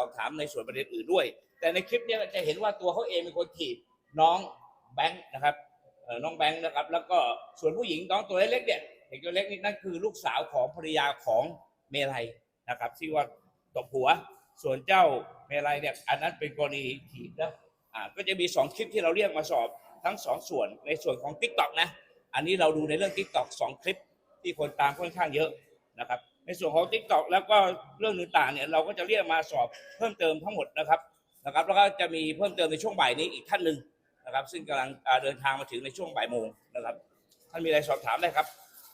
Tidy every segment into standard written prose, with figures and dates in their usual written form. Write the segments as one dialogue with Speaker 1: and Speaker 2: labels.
Speaker 1: อบถามในส่วนประเด็นอื่นด้วยแต่ในคลิปนี้จะเห็นว่าตัวเขาเองเป็นคนถีบน้องแบงค์นะครับน้องแบงค์นะครับแล้วก็ส่วนผู้หญิงน้องตัวเล็กเนี่ยเด็กตัวเล็กนี่นั่นคือลูกสาวของภรรยาของเมลัยนะครับที่ว่าตบหัวส่วนเจ้าเมลัยเนี่ยอันนั้นเป็นกรณีถีบนะก็จะมี2คลิปที่เราเรียกมาสอบทั้ง2ส่วนในส่วนของ TikTok นะอันนี้เราดูในเรื่อง TikTok 2คลิปที่คนตามค่อนข้างเยอะนะครับในส่วนของ TikTok แล้วก็เรื่องต่างๆเนี่ยเราก็จะเรียกมาสอบเพิ่มเติมทั้งหมดนะครับแล้วก็จะมีเพิ่มเติมในช่วงบ่ายนี้อีกท่านหนึ่งนะครับซึ่งกำลังเดินทางมาถึงในช่วงบ่ายโมงนะครับท่านมีอะไรสอบถามได้ครับ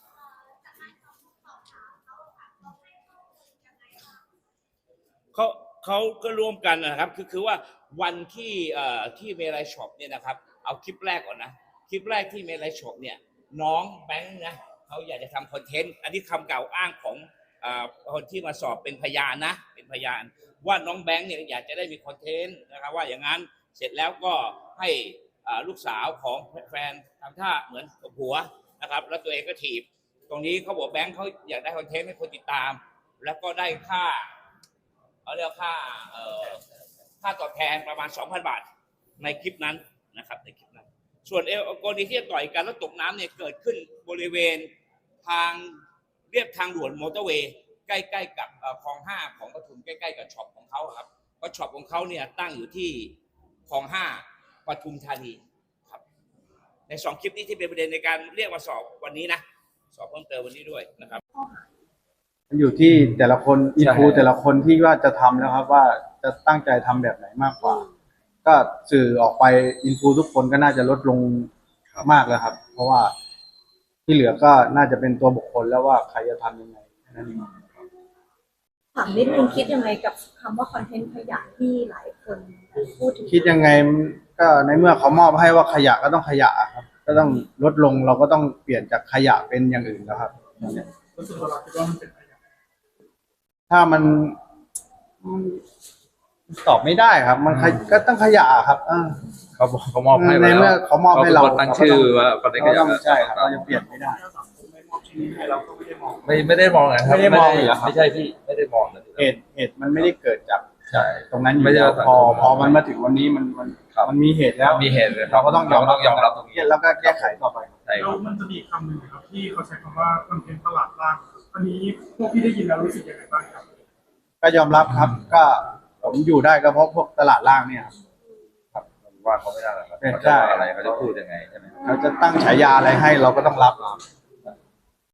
Speaker 1: เขาก็ร่วมกันนะครับคือว่าวันที่เมลัยช็อปเนี่ยนะครับเอาคลิปแรกก่อนนะคลิปแรกที่เมลัยช็อปเนี่ยน้องแบงค์นะเขาอยากจะทำคอนเทนต์อันนี้คำกล่าวอ้างของคนที่มาสอบเป็นพยานนะเป็นพยานว่าน้องแบงค์เนี่ยอยากจะได้มีคอนเทนต์นะครับว่าอย่างนั้นเสร็จแล้วก็ให้ลูกสาวของแฟนทำท่าเหมือนกับหัวนะครับแล้วตัวเองก็ถีบตรงนี้เขาบอกแบงค์เขาอยากได้คอนเทนต์ให้คนติดตามแล้วก็ได้ค่าเขาเรียกค่าตอบแทนประมาณ 2,000 บาทในคลิปนั้นนะครับในคลิปนั้นส่วนกรณีที่ต่อยกันแล้วตกน้ำเนี่ยเกิดขึ้นบริเวณทางเรียบทางด่วนมอเตอร์เวย์ใกล้ๆกับคลอง5ของปทุมใกล้ๆกับช็อปของเขาครับเพราะช็อปของเขาเนี่ยตั้งอยู่ที่คลอง5ปทุมธานีครับใน2คลิปนี้ที่เป็นประเด็นในการเรียกมาสอบวันนี้นะสอบเพิ่มเติมวันนี้ด้วยนะครับ
Speaker 2: มันอยู่ที่แต่ละคนอินฟูแต่ละคนที่ว่าจะทำแล้วครับว่าจะตั้งใจทำแบบไหนมากกว่าก็สื่อออกไปอินฟูทุกคนก็น่าจะลดลงมากแล้วครับเพราะว่าที่เหลือก็น่าจะเป็นตัวบุคคลแล้วว่าใครจะทำยังไงนั่นเอง
Speaker 3: ถามนิดนึงคิดยังไงกับคำว่าคอนเทนต์ขยะที่หลายคนพูดถึง
Speaker 2: คิดยังไงก็ในเมื่อเขามอบให้ว่าขยะก็ต้องขยะครับก็ต้องลดลงเราก็ต้องเปลี่ยนจากขยะเป็นอย่างอื่นแล้วครับ
Speaker 4: รู้สึกว่าเราคิดว่ามันเป็นขยะ
Speaker 2: ถ้ามันตอบไม่ได้ครับมันก็ต้องขยะครับ
Speaker 5: เขามอบให้
Speaker 2: ในเมื่อเขามอบให้เรา
Speaker 5: ตั้งชื่อว่าคนนี้ก็ยัง
Speaker 2: ใช่ครับเราจะเปลี่ยนไม่ได้
Speaker 4: เราก็ไม่ได้มอง
Speaker 5: ไม่ได้มองนะครับ
Speaker 2: ไม่ได้มองเหรอครับ
Speaker 5: ไม่ใช่พี่ไม่ได้มอง
Speaker 2: เหตุมันไม่ได้เกิดจาก
Speaker 5: ใช่
Speaker 2: ตรงนั้นอยู่แล้วพอมันมาถึงวันนี้มันมีเหตุแล้ว
Speaker 5: มีเหตุ
Speaker 2: เราก็ต้องยอมรับ
Speaker 5: ตรงนี้
Speaker 2: แล้วก็แก้ไขต่อไป
Speaker 4: แล้วมันจะมีคำหนึ่งครับที่เขาใช้คำว่าคอนเทนต์ตลาดล่างอันนี้พวกพี่ได้ยินแล้วรู้สึกยังไงบ้างครับ
Speaker 2: ก็ยอมรับครับก็ผมอยู่ได้ก็เพราะพวกตลาดล่างเนี่ยครับ
Speaker 5: ว่าเขาไม่ได้หรอกครับเขาจะว่าอะไรเขาจะพูดยังไงใช่ไหม
Speaker 2: เขาจะตั้งฉายาอะไรให้เราก็ต้องรับ